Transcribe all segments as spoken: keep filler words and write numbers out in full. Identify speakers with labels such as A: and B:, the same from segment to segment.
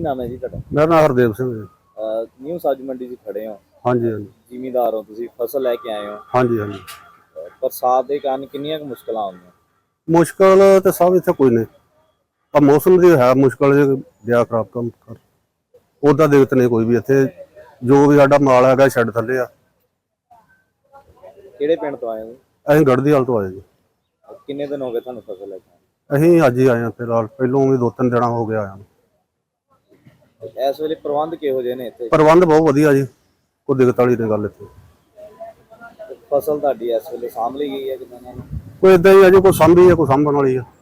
A: ਕੀ ਨਾਮ ਹੈ ਜੀ ਤੁਹਾਡਾ?
B: ਮੇਰਾ ਨਾਮ ਹਰਦੇਵ ਸਿੰਘ ਹੈ।
A: ਅਹ ਨਿਊ ਸਬਜ਼ੀ ਮੰਡੀ 'ਚ ਖੜੇ ਹੋ।
B: ਹਾਂਜੀ ਹਾਂਜੀ
A: ਜ਼ਿਮੀਂਦਾਰ ਹੋ ਤੁਸੀਂ, ਫਸਲ ਲੈ ਕੇ ਆਏ ਹੋ।
B: ਹਾਂਜੀ ਹਾਂਜੀ
A: ਅਹ ਬਰਸਾਤ ਦੇ ਕਾਰਨ ਕਿੰਨੀਆਂ ਕੁ ਮੁਸ਼ਕਲਾਂ ਆਉਂਦੀਆਂ?
B: ਮੁਸ਼ਕਲ ਤੇ ਸਭ ਇੱਥੇ ਕੋਈ ਨਹੀਂ, ਆ ਮੌਸਮ ਦੀ ਹੈ ਮੁਸ਼ਕਲ ਜੇ ਦਿਆ ਖਰਾਬ ਕੰਮ ਕਰ ਉਹਦਾ ਦਿੱਕਤ ਨਹੀਂ ਕੋਈ ਵੀ। ਇੱਥੇ ਜੋ ਵੀ ਸਾਡਾ ਮਾਲ ਹੈਗਾ ਛੱਡ ਥੱਲੇ ਆ।
A: ਕਿਹੜੇ ਪਿੰਡ ਤੋਂ ਆਏ ਹੋ?
B: ਅਸੀਂ ਗੜ੍ਹਦੀ ਹਾਲ ਤੋਂ ਆਏ ਜੀ।
A: ਅਹ ਕਿੰਨੇ ਦਿਨ ਹੋ ਗਏ ਤੁਹਾਨੂੰ ਫਸਲ ਲੈ ਕੇ
B: ਅਸੀਂ ਅੱਜ ਹੀ ਆਏ ਹਾਂ ਫਿਲਹਾਲ, ਪਹਿਲੋਂ ਵੀ ਦੋ ਤਿੰਨ ਦਿਨਾਂ ਹੋ ਗਿਆ ਆਇਆ।
A: ਆਏ? ਇਸ ਵੇਲੇ ਪ੍ਰਬੰਧ ਕਿਹੋ ਜਿਹੇ ਨੇ ਇੱਥੇ?
B: ਪ੍ਰਬੰਧ ਬਹੁਤ ਵਧੀਆ ਜੀ, ਕੋਈ ਦਿੱਕਤ ਵਾਲੀ ਨਹੀਂ ਗੱਲ ਇੱਥੇ।
A: ਤੇ ਫਸਲ ਤੁਹਾਡੀ ਇਸ ਵੇਲੇ ਸਾਂਭ ਲਈ ਗਈ ਹੈ ਕਿਸਾਨਾਂ ਨੂੰ?
B: ਕੋਈ ਏਦਾਂ ਹੀ ਆ ਜੀ, ਕੋਈ ਸਾਂਭੀ ਹੈ ਕੋਈ ਸਾਂਭਣ ਵਾਲੀ ਆ।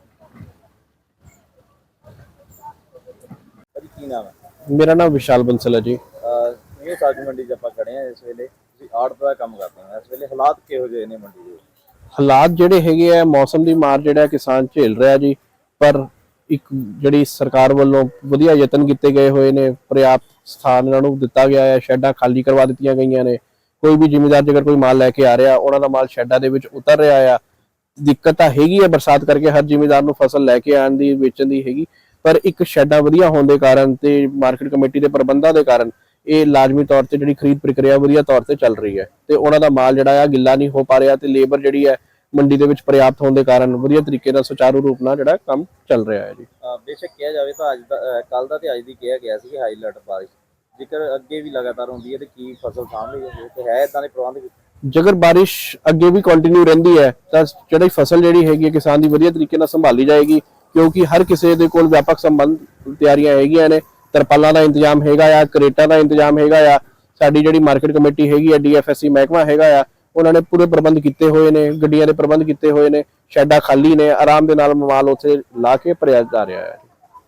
A: ਭਾਜੀ ਕੀ ਨਾਮ ਹੈ?
C: ਮੇਰਾ ਨਾਮ ਵਿਸ਼ਾਲ ਬੰਸਲ ਹੈ ਜੀ।
A: ਅਹ ਨਿਊ ਸਬਜ਼ੀ ਮੰਡੀ 'ਚ ਆਪਾਂ ਖੜੇ ਹਾਂ ਇਸ ਵੇਲੇ। ਤੁਸੀਂ ਆੜਤ ਦਾ ਕੰਮ ਕਰਦੇ ਹੋ, ਇਸ ਵੇਲੇ ਹਾਲਾਤ ਕਿਹੋ ਜਿਹੇ ਨੇ ਮੰਡੀ ਦੇ?
C: ਹਾਲਾਤ ਜਿਹੜੇ ਹੈਗੇ ਆ, ਮੌਸਮ ਦੀ ਮਾਰ ਜਿਹੜਾ ਕਿਸਾਨ ਝੇਲ ਰਿਹਾ ਜੀ, ਪਰ ਇੱਕ ਜਿਹੜੀ ਸਰਕਾਰ ਵੱਲੋਂ ਵਧੀਆ ਯਤਨ ਕੀਤੇ ਗਏ ਹੋਏ ਨੇ, ਪਰਿਆਪਤ ਸਥਾਨ ਇਹਨਾਂ ਨੂੰ ਦਿੱਤਾ ਗਿਆ ਹੈ, ਸ਼ੈੱਡਾਂ ਖਾਲੀ ਕਰਵਾ ਦਿੱਤੀਆਂ ਗਈਆਂ ਨੇ। ਕੋਈ ਵੀ ਜ਼ਿਮੀਂਦਾਰ ਜੇਕਰ ਕੋਈ ਮਾਲ ਲੈ ਕੇ ਆ ਰਿਹਾ, ਉਹਨਾਂ ਦਾ ਮਾਲ ਸ਼ੈੱਡਾਂ ਦੇ ਵਿੱਚ ਉਤਰ ਰਿਹਾ ਆ। ਦਿੱਕਤ ਤਾਂ ਹੈਗੀ ਹੈ ਬਰਸਾਤ ਕਰਕੇ, ਹਰ ਜ਼ਿਮੀਂਦਾਰ ਨੂੰ ਫਸਲ ਲੈ ਕੇ ਆਉਣ ਦੀ, ਵੇਚਣ ਦੀ ਹੈਗੀ, ਪਰ ਇੱਕ ਸ਼ੈੱਡਾਂ ਵਧੀਆ ਹੋਣ ਦੇ ਕਾਰਨ ਤੇ ਮਾਰਕੀਟ ਕਮੇਟੀ ਦੇ ਪ੍ਰਬੰਧਾਂ ਦੇ ਕਾਰਨ ਇਹ ਲਾਜ਼ਮੀ ਤੌਰ ਤੇ ਜਿਹੜੀ ਖਰੀਦ ਪ੍ਰਕਿਰਿਆ ਵਧੀਆ ਤੌਰ ਤੇ ਚੱਲ ਰਹੀ ਹੈ ਤੇ ਉਹਨਾਂ ਦਾ ਮਾਲ ਜਿਹੜਾ ਆ ਗਿੱਲਾ ਨਹੀਂ ਹੋ ਪਾ ਰਿਹਾ ਤੇ ਲੇਬਰ ਜਿਹੜੀ ਹੈ ਮੰਡੀ ਦੇ ਵਿੱਚ ਪ੍ਰਿਆਪਤ ਹੋਣ ਦੇ ਕਾਰਨ ਵਧੀਆ ਤਰੀਕੇ ਨਾਲ ਸੁਚਾਰੂ ਰੂਪ ਨਾਲ ਜਿਹੜਾ ਕੰਮ ਚੱਲ ਰਿਹਾ ਹੈ ਜੀ।
A: ਬੇਸ਼ੱਕ ਕਿਹਾ ਜਾਵੇ ਤਾਂ ਅੱਜ ਦਾ ਕੱਲ ਦਾ ਤੇ ਅੱਜ ਦੀ ਕਿਹਾ ਗਿਆ ਸੀ ਕਿ ਹਾਈ ਅਲਰਟ ਬਾਰਿਸ਼, ਜੇਕਰ ਅੱਗੇ ਵੀ ਲਗਾਤਾਰ ਹੁੰਦੀ ਹੈ ਤੇ ਕੀ ਫਸਲ ਸਾਂਭ ਲਈ ਜਾਂਦੀ ਹੈ ਤੇ ਹੈ ਇਦਾਂ ਦੇ ਪ੍ਰਬੰਧ?
C: ਜੇਕਰ ਬਾਰਿਸ਼ ਅੱਗੇ ਵੀ ਕੰਟੀਨਿਊ ਰਹਿੰਦੀ ਹੈ ਤਾਂ ਜਿਹੜੀ ਫਸਲ ਜਿਹੜੀ ਹੈਗੀ ਹੈ ਕਿਸਾਨ ਦੀ ਵਧੀਆ ਤਰੀਕੇ ਨਾਲ ਸੰਭਾਲੀ ਜਾਏਗੀ, ਕਿਉਂਕਿ ਹਰ ਕਿਸੇ ਦੇ ਕੋਲ ਵਿਆਪਕ ਸੰਬੰਧ ਤਿਆਰੀਆਂ ਹੈਗੀਆਂ ਨੇ। ਤਰਪਾਲਾਂ ਦਾ ਇੰਤਜ਼ਾਮ ਹੈਗਾ ਆ, ਕਰੇਟਾਂ ਦਾ ਇੰਤਜ਼ਾਮ ਹੈਗਾ ਆ। ਸਾਡੀ ਜਿਹੜੀ ਮਾਰਕੀਟ ਕਮੇਟੀ ਹੈਗੀ ਆ, ਡੀ ਐਫ ਐਸ ਸੀ ਮਹਿਕਮਾ ਹੈਗਾ ਆ, ਉਹਨਾਂ ਨੇ ਪੂਰੇ ਪ੍ਰਬੰਧ ਕੀਤੇ ਹੋਏ ਨੇ, ਗੱਡੀਆਂ ਦੇ ਪ੍ਰਬੰਧ ਕੀਤੇ ਹੋਏ ਨੇ, ਸ਼ੈੱਡਾਂ ਖਾਲੀ ਨੇ, ਆਰਾਮ ਦੇ ਨਾਲ ਮਾਲ ਉੱਥੇ ਲਾ ਕੇ ਭਰਿਆ ਜਾ ਰਿਹਾ ਹੈ।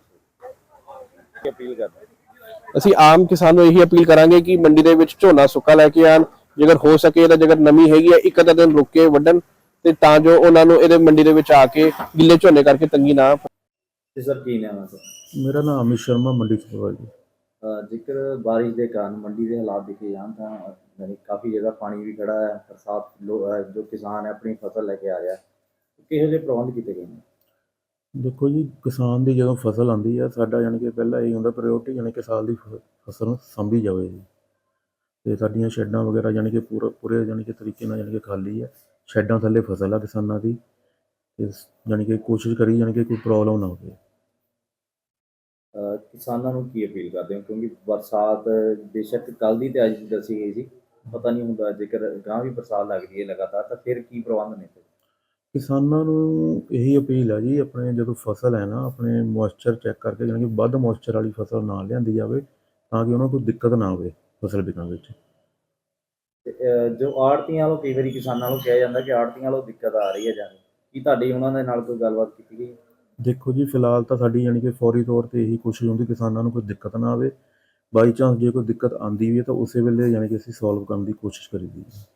A: ਅਪੀਲ ਕਰਦੇ
C: ਅਸੀਂ ਆਮ ਕਿਸਾਨ ਨੂੰ ਇਹੀ ਅਪੀਲ ਕਰਾਂਗੇ ਕਿ ਮੰਡੀ ਦੇ ਵਿੱਚ ਝੋਨਾ ਸੁੱਕਾ ਲੈ ਕੇ ਆਣ, ਜੇਕਰ ਹੋ ਸਕੇ ਤਾਂ ਜੇਕਰ ਨਮੀ ਹੈਗੀ ਹੈ ਇੱਕ ਅੱਧਾ ਦਿਨ ਰੁਕ ਕੇ ਵੱਢਣ, ਤੇ ਤਾਂ ਜੋ ਉਹਨਾਂ ਨੂੰ ਇਹਦੇ ਮੰਡੀ ਦੇ ਵਿੱਚ ਆ ਕੇ ਗਿੱਲੇ ਝੋਨੇ ਕਰਕੇ ਤੰਗੀ ਨਾ।
A: ਸਰ ਕੀ ਨਾਮ ਹੈ ਸਰ?
D: ਮੇਰਾ ਨਾਮ ਅਮਿਤ ਸ਼ਰਮਾ, ਮੰਡੀ ਸੁਪਰਵਾਈਜ਼ਰ ਜੀ।
A: ਜੇਕਰ ਬਾਰਿਸ਼ ਦੇ ਕਾਰਨ ਮੰਡੀ ਦੇ ਹਾਲਾਤ ਦੇਖੇ ਜਾਣ ਤਾਂ ਯਾਨੀ ਕਾਫੀ ਜਗ੍ਹਾ ਪਾਣੀ ਵੀ ਖੜਾ ਹੈ। ਬਰਸਾਤ ਜੋ ਕਿਸਾਨ ਹੈ ਆਪਣੀ ਫਸਲ ਲੈ ਕੇ ਆ ਰਿਹਾ, ਕਿਹੋ ਜਿਹੇ ਪ੍ਰਬੰਧ ਕੀਤੇ ਗਏ ਨੇ?
D: ਦੇਖੋ ਜੀ, ਕਿਸਾਨ ਦੀ ਜਦੋਂ ਫਸਲ ਆਉਂਦੀ ਆ, ਸਾਡਾ ਯਾਨੀ ਕਿ ਪਹਿਲਾਂ ਇਹ ਹੁੰਦਾ ਪ੍ਰਾਇਓਰਟੀ ਯਾਨੀ ਕਿ ਸਾਲ ਦੀ ਫਸਲ ਨੂੰ ਸਾਂਭੀ ਜਾਵੇ ਜੀ। ਅਤੇ ਸਾਡੀਆਂ ਸ਼ੈੱਡਾਂ ਵਗੈਰਾ ਯਾਨੀ ਕਿ ਪੂਰਾ ਪੂਰੇ ਯਾਨੀ ਕਿ ਤਰੀਕੇ ਨਾਲ ਯਾਨੀ ਕਿ ਖਾਲੀ ਹੈ। ਸ਼ੈੱਡਾਂ ਥੱਲੇ ਫਸਲ ਆ ਕਿਸਾਨਾਂ ਦੀ, ਅਤੇ ਯਾਨੀ ਕਿ ਕੋਸ਼ਿਸ਼ ਕਰੀ ਯਾਨੀ ਕਿ ਕੋਈ ਪ੍ਰੋਬਲਮ ਨਾ ਹੋਵੇ।
A: ਕਿਸਾਨਾਂ ਨੂੰ ਕੀ ਅਪੀਲ ਕਰਦੇ ਹੋ, ਕਿਉਂਕਿ ਬਰਸਾਤ ਬੇਸ਼ੱਕ ਕੱਲ੍ਹ ਦੀ ਤੇ ਅੱਜ ਦੀ ਦੱਸੀ ਗਈ ਸੀ, ਪਤਾ ਨਹੀਂ ਹੁੰਦਾ ਜੇਕਰ ਗਾਂ ਵੀ ਬਰਸਾਤ ਲੱਗਦੀ ਹੈ ਲਗਾਤਾਰ ਤਾਂ ਫਿਰ ਕੀ ਪ੍ਰਬੰਧ ਨੇ?
D: ਕਿਸਾਨਾਂ ਨੂੰ ਇਹੀ ਅਪੀਲ ਹੈ ਜੀ, ਆਪਣੇ ਜਦੋਂ ਫਸਲ ਹੈ ਨਾ, ਆਪਣੇ ਮੋਇਸਚਰ ਚੈੱਕ ਕਰਕੇ ਯਾਨੀ ਕਿ ਵੱਧ ਮੋਇਸਚਰ ਵਾਲੀ ਫਸਲ ਨਾ ਲਿਆਂਦੀ ਜਾਵੇ, ਤਾਂ ਕਿ ਉਹਨਾਂ ਨੂੰ ਕੋਈ ਦਿੱਕਤ ਨਾ ਆਵੇ ਫਸਲ ਵਿਕਣ ਵਿੱਚ।
A: ਜੋ ਆੜ੍ਹਤੀਆਂ ਵੱਲੋਂ ਕਈ ਵਾਰੀ ਕਿਸਾਨਾਂ ਨੂੰ ਕਿਹਾ ਜਾਂਦਾ ਕਿ ਆੜ੍ਹਤੀਆਂ ਵੱਲੋਂ ਦਿੱਕਤ ਆ ਰਹੀ ਹੈ ਜਾਂ ਕੀ ਤੁਹਾਡੀ ਉਹਨਾਂ ਦੇ ਨਾਲ ਕੋਈ ਗੱਲਬਾਤ ਕੀਤੀ ਗਈ?
D: ਦੇਖੋ ਜੀ, ਫਿਲਹਾਲ ਤਾਂ ਸਾਡੀ ਯਾਨੀ ਕਿ ਫੌਰੀ ਤੌਰ 'ਤੇ ਇਹੀ ਕੋਸ਼ਿਸ਼ ਹੁੰਦੀ ਕਿਸਾਨਾਂ ਨੂੰ ਕੋਈ ਦਿੱਕਤ ਨਾ ਆਵੇ। ਬਾਈ ਚਾਂਸ ਜੇ ਕੋਈ ਦਿੱਕਤ ਆਉਂਦੀ ਵੀ ਹੈ ਤਾਂ ਉਸੇ ਵੇਲੇ ਯਾਨੀ ਕਿ ਅਸੀਂ ਸੋਲਵ ਕਰਨ ਦੀ ਕੋਸ਼ਿਸ਼ ਕਰੀਦੀ ਹੈ।